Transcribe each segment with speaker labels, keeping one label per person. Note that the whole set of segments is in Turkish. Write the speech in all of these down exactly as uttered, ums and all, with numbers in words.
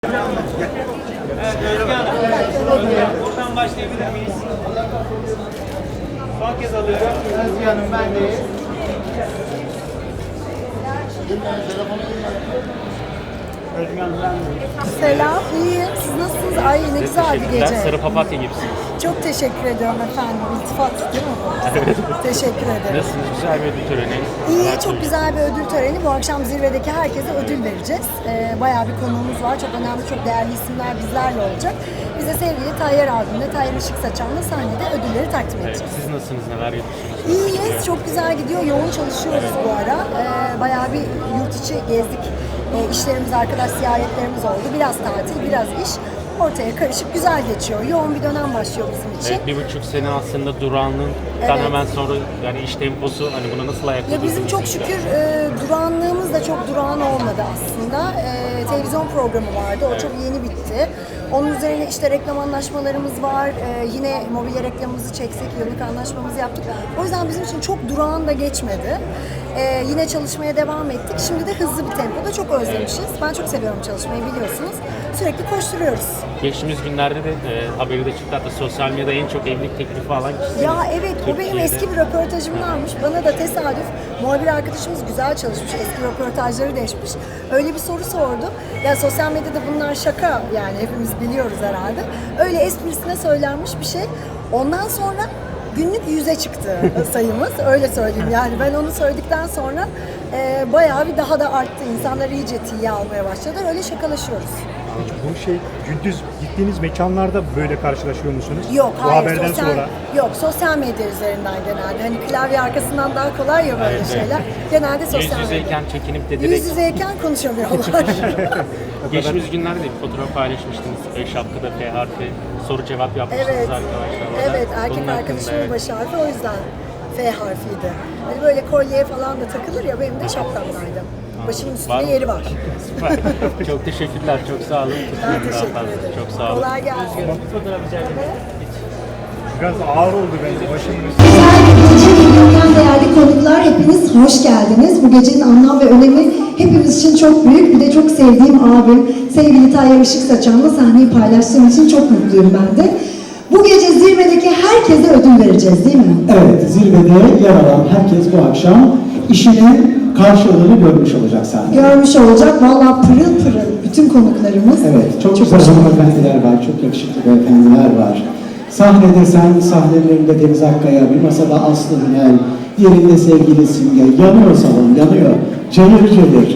Speaker 1: Evet, Özge Hanım. Buradan başlayabilir miyiz? Son kez alıyorum.
Speaker 2: Özge Hanım, ben de. Özge Hanım, ben de.
Speaker 3: Selam, iyiyim. Siz nasılsınız? Ay ne güzel bir gece.
Speaker 4: Sarı papatya gibisiniz.
Speaker 3: Çok teşekkür ediyorum efendim. İltifat değil mi bu? teşekkür ederim.
Speaker 4: Nasılsınız? Güzel bir ödül töreni.
Speaker 3: İyi,
Speaker 4: Neler
Speaker 3: çok güzel bir ödül töreni. Bu akşam zirvedeki herkese ödül vereceğiz. Ee, bayağı bir konuğumuz var. Çok önemli, çok değerli isimler bizlerle olacak. Bize sevgili Tayyar abimle, Tayyar Işık Saçan'la sahnede ödülleri takdim
Speaker 4: Evet,
Speaker 3: edeceğiz.
Speaker 4: siz nasılsınız? Neler yapıyorsunuz?
Speaker 3: İyiyiz, çok güzel gidiyor. Yoğun çalışıyoruz bu ara. Ee, bayağı bir yurt içi gezdik. Ee, işlerimiz, arkadaş ziyaretlerimiz oldu. Biraz tatil, biraz iş. Ortaya karışık, güzel geçiyor. Yoğun bir dönem başlıyor bizim için.
Speaker 4: Evet, bir buçuk sene aslında durağanlığından
Speaker 3: Evet.
Speaker 4: hemen sonra yani iş temposu hani buna nasıl ayak
Speaker 3: Ya bizim çok şükür e, durağanlığımız da çok durağan olmadı aslında. E, televizyon programı vardı, o çok yeni bitti. Onun üzerine işte reklam anlaşmalarımız var. E, yine mobilya reklamımızı çeksek, yıllık anlaşmamızı yaptık. O yüzden bizim için çok durağan da geçmedi. E, yine çalışmaya devam ettik. Şimdi de hızlı bir tempoda çok özlemişiz. Ben çok seviyorum çalışmayı, biliyorsunuz. Sürekli koşturuyoruz.
Speaker 4: Geçtiğimiz günlerde de e, haberi de çıktı, hatta sosyal medyada en çok evlilik teklifi alan kişi.
Speaker 3: Ya evet, o benim eski bir röportajımdanmış. Bana da tesadüf, muhabir arkadaşımız güzel çalışmış, eski röportajları değişmiş. Öyle bir soru sordu. Ya sosyal medyada bunlar şaka, yani hepimiz biliyoruz herhalde. Öyle esprisine söylenmiş bir şey. Ondan sonra günlük yüze çıktı sayımız, öyle söyleyeyim. Yani ben onu söyledikten sonra e, bayağı bir daha da arttı. İnsanlar iyice tiye almaya başladılar. Öyle şakalaşıyoruz.
Speaker 5: Peki bu şey gündüz gittiğiniz mekanlarda böyle karşılaşıyor musunuz?
Speaker 3: Yok,
Speaker 5: bu
Speaker 3: hayır.
Speaker 5: haberden
Speaker 3: sosyal,
Speaker 5: sonra.
Speaker 3: Yok, sosyal medya üzerinden genelde. Hani klavye arkasından daha kolay ya böyle
Speaker 4: Evet,
Speaker 3: şeyler. Genelde sosyal
Speaker 4: Yüz
Speaker 3: medya.
Speaker 4: yüzeyken çekinip de
Speaker 3: Yüz
Speaker 4: direkt
Speaker 3: yüzeyken konuşamıyorlar.
Speaker 4: geçtiğimiz günlerde bir fotoğraf paylaşmıştınız. E, şapkada F harfi soru cevap yapmıştınız
Speaker 3: evet,
Speaker 4: arkadaşlarla.
Speaker 3: evet.
Speaker 4: Bunun
Speaker 3: Erkek
Speaker 4: hakkında,
Speaker 3: arkadaşımın
Speaker 4: evet.
Speaker 3: baş harfi, o yüzden F harfiydi. Hani böyle kolyeye falan da takılır ya, benim de şapkamdaydı. Başımın üstünde
Speaker 4: Var mı?
Speaker 3: yeri var.
Speaker 4: Süper. Çok teşekkürler, çok sağ olun.
Speaker 3: Ben
Speaker 4: Tutmayın daha
Speaker 3: teşekkür
Speaker 4: fazla.
Speaker 3: ederim.
Speaker 4: Çok sağ olun.
Speaker 3: Kolay gelsin.
Speaker 1: Fotoğraf rica ederim.
Speaker 5: Biraz ağır oldu bence başımın üstü.
Speaker 6: Güzel bir gece, milyondan değerli konuklar, hepiniz hoş geldiniz. Bu gecenin anlam ve önemi hepimiz için çok büyük. Bir de çok sevdiğim abim, sevgili Tayyar Işık Saçan'la sahneyi paylaştığım için çok mutluyum ben de. Bu gece zirvedeki herkese ödül vereceğiz, değil mi?
Speaker 7: Evet, zirvede yer alan herkes bu akşam işinin karşılığını görmüş olacak sahnede.
Speaker 6: Görmüş olacak, vallahi pırıl pırıl bütün konuklarımız.
Speaker 7: Evet, çok güzel hanımefendiler var, çok yakışıklı beyefendiler var. Sahnede sen, sahnelerinde Deniz Akkaya, bir masada Aslı Hünel, yerinde sevgili Simge, yanıyor salon, yanıyor, cayır cayır.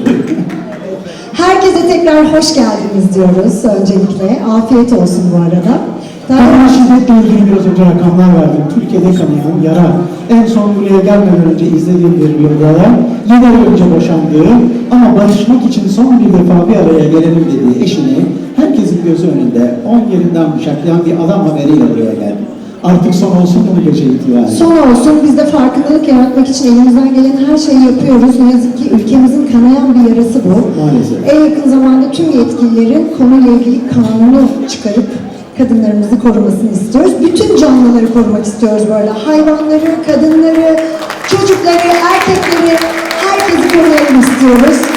Speaker 6: Herkese tekrar hoş geldiniz diyoruz öncelikle. Afiyet olsun bu arada.
Speaker 7: Ben şiddetle ilgili biraz önce rakamlar verdim. Türkiye'de kanayan yara. En son buraya gelmeden önce izlediğim bir videoda yedi ay önce boşandığı ama barışmak için son bir defa bir araya gelelim dediği eşini herkesin gözü önünde on yerinden bıçaklayan bir adam haberiyle buraya geldi. Artık son olsun mu bu gece itibariyle?
Speaker 6: Son olsun. Biz de farkındalık yaratmak için elimizden gelen her şeyi yapıyoruz. Ne yazık ki ülkemizin kanayan bir yarası bu.
Speaker 7: Maalesef.
Speaker 6: En yakın zamanda tüm yetkililerin konuyla ilgili kanunu çıkarıp kadınlarımızı korumasını istiyoruz. Bütün canlıları korumak istiyoruz böyle. Hayvanları, kadınları, çocukları, erkekleri, herkesi koruyalım istiyoruz.